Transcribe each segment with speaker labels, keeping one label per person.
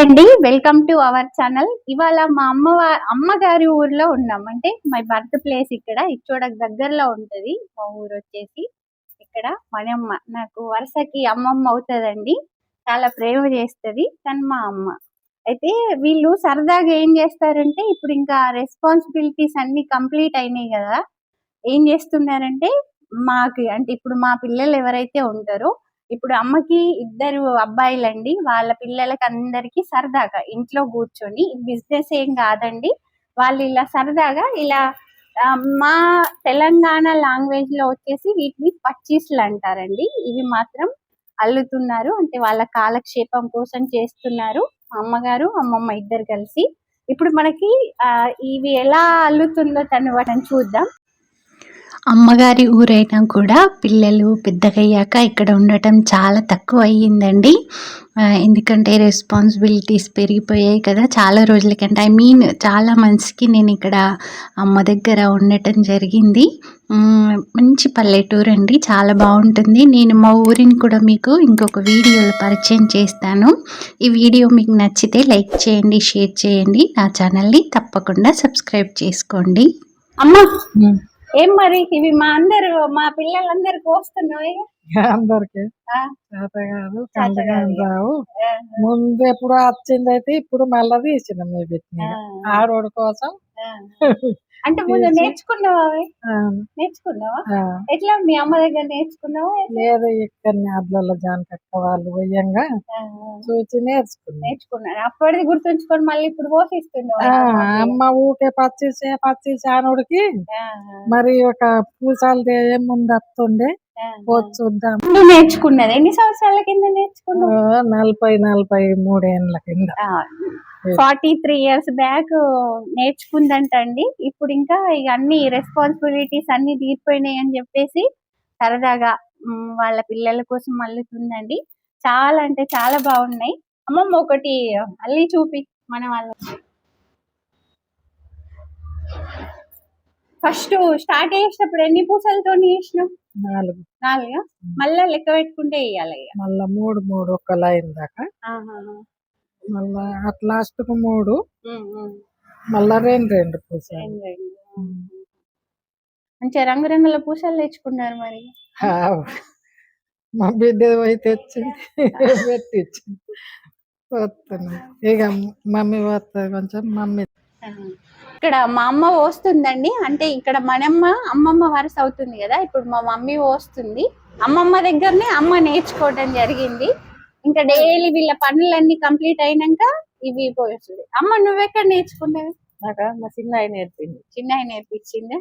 Speaker 1: అండి, welcome to our channel. ఇవాళ మా అమ్మగారి ఊర్లో ఉన్నాం. అంటే మై బర్త్ ప్లేస్ ఇక్కడ ఇచ్చోడకు దగ్గరలో ఉంటది మా ఊరు వచ్చేసి. ఇక్కడ మనమ్మ నాకు వరుసకి అమ్మమ్మ అవుతుందండి. చాలా ప్రేమ చేస్తుంది కానీ మా అమ్మ. అయితే వీళ్ళు సరదాగా ఏం చేస్తారంటే, ఇప్పుడు ఇంకా రెస్పాన్సిబిలిటీస్ అన్ని కంప్లీట్ అయినాయి కదా, ఏం చేస్తున్నారంటే మాకి అంటే ఇప్పుడు మా పిల్లలు ఎవరైతే ఉంటారో, ఇప్పుడు అమ్మకి ఇద్దరు అబ్బాయిలండి. వాళ్ళ పిల్లలకి అందరికి సరదాగా ఇంట్లో కూర్చొని, బిజినెస్ ఏం కాదండి, వాళ్ళు ఇలా సరదాగా ఇలా మా తెలంగాణ లాంగ్వేజ్ లో వచ్చేసి వీటిని పచ్చీస్లు అంటారండి. ఇవి మాత్రం అల్లుతున్నారు, అంటే వాళ్ళ కాలక్షేపం కోసం చేస్తున్నారు అమ్మగారు అమ్మమ్మ ఇద్దరు కలిసి. ఇప్పుడు మనకి ఇవి ఎలా అల్లుతుందో వాటిని చూద్దాం.
Speaker 2: అమ్మగారి ఊరైనా కూడా పిల్లలు పెద్దగయ్యాక ఇక్కడ ఉండటం చాలా తక్కువ అయ్యిందండి. ఎందుకంటే రెస్పాన్సిబిలిటీస్ పెరిగిపోయాయి కదా, చాలా రోజులకంటే చాలా మంత్స్కి నేను ఇక్కడ అమ్మ దగ్గర ఉండటం జరిగింది. మంచి పల్లెటూరు అండి, చాలా బాగుంటుంది. నేను మా ఊరిని కూడా మీకు ఇంకొక వీడియోలో పరిచయం చేస్తాను. ఈ వీడియో మీకు నచ్చితే లైక్ చేయండి, షేర్ చేయండి, నా ఛానల్ని తప్పకుండా సబ్స్క్రైబ్ చేసుకోండి.
Speaker 1: అమ్మ ఏం మరి ఇవి మా పిల్లలందరికి వస్తున్నాయి
Speaker 3: అందరికి చేత కాదు, కండగా రావు. ముందు ఎప్పుడు వచ్చింది అయితే ఇప్పుడు మళ్ళీ తీసిన మీ పెట్టిన ఆడోడి కోసం.
Speaker 1: అంటే ముందు నేర్చుకున్నావా? ఎట్లా మీ అమ్మ దగ్గర నేర్చుకున్నావా?
Speaker 3: లేదు, ఇక్కడ అద్లలో జానకక్క వాళ్ళు పోయంగా చూసి
Speaker 1: నేర్చుకున్నాను. అప్పటిది గుర్తుంచుకొని మళ్ళీ ఇప్పుడు పోషిస్తున్నావు.
Speaker 3: అమ్మ ఊకే పచ్చి ఆనోడికి మరి ఒక పూసాలు ఏముంది వస్తుండే చూద్దాం.
Speaker 1: నేర్చుకున్నది ఎన్ని సంవత్సరాల కింద నేర్చుకున్నావు?
Speaker 3: 43 ఏళ్ళ కింద,
Speaker 1: 43 years బ్యాక్ నేర్చుకుందంటండి. ఇప్పుడు ఇంకా ఇక అన్ని రెస్పాన్సిబిలిటీస్ అన్ని తీరిపోయినాయి అని చెప్పేసి సరదాగా వాళ్ళ పిల్లల కోసం అల్లుతుందండి. చాలా అంటే చాలా బాగున్నాయి. అమ్మమ్మ ఒకటి అల్లి చూపి మన వాళ్ళకి. ఫస్ట్ స్టార్ట్ చేసినప్పుడు ఎన్ని పూసలతో చేసినాం? 4 మళ్ళా లెక్క పెట్టుకుంటే వేయాలి.
Speaker 3: మళ్ళా 3 ఒక లైన్ దాకా, మళ్ళా అట్ లాస్ట్ కు 3, మళ్ళా 2 పూసలు.
Speaker 1: మంచిగా రంగురంగుల పూసలు తెచ్చుకున్నారు మరి.
Speaker 3: మా బిడ్డ పోయి తెచ్చింది పెట్టించింది. వస్తుంది ఇక మమ్మీ వస్తుంది కొంచెం. మమ్మీ
Speaker 1: ఇక్కడ మా అమ్మ పోస్తుందండి. అంటే ఇక్కడ మనమ్మ అమ్మమ్మ వరుస అవుతుంది కదా, ఇప్పుడు మా మమ్మీ పోస్తుంది. అమ్మమ్మ దగ్గరనే అమ్మ నేర్చుకోవడం జరిగింది. ఇంకా డైలీ వీళ్ళ పనులన్నీ కంప్లీట్ అయినాక ఇవి పోస్తుంది. అమ్మ నువ్వెక్కడ నేర్చుకున్నావు?
Speaker 4: నాకు మా చిన్నయ్య నేర్పింది.
Speaker 1: చిన్నయ్య నేర్పించింది.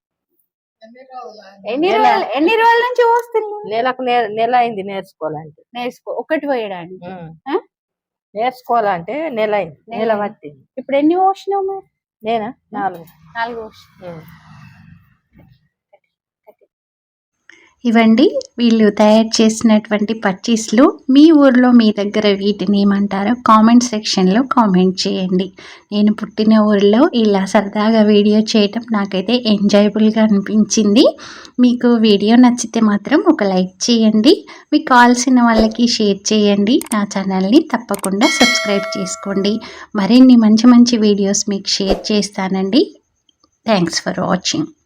Speaker 1: ఎన్ని రోజుల నుంచి పోస్తుంది?
Speaker 4: నెల అయింది నేర్చుకోవాలంటే.
Speaker 1: ఒకటి పోయడానికి
Speaker 4: నేర్చుకోవాలంటే నెల అయింది, నెల పట్టింది.
Speaker 1: ఇప్పుడు ఎన్ని పోసినావు మరి?
Speaker 4: నేనా 4
Speaker 1: పోసిన.
Speaker 2: ఇవండి వీళ్ళు తయారు చేసినటువంటి పచ్చీస్లు. మీ ఊర్లో మీ దగ్గర వీటిని ఏమంటారో కామెంట్ సెక్షన్లో కామెంట్ చేయండి. నేను పుట్టిన ఊరిలో ఇలా సరదాగా వీడియో చేయటం నాకైతే ఎంజాయబుల్గా అనిపించింది. మీకు వీడియో నచ్చితే మాత్రం ఒక లైక్ చేయండి, మీకు కావాల్సిన వాళ్ళకి షేర్ చేయండి, నా ఛానల్ని తప్పకుండా సబ్స్క్రైబ్ చేసుకోండి. మరిన్ని మంచి మంచి వీడియోస్ మీకు షేర్ చేస్తానండి. Thanks for watching.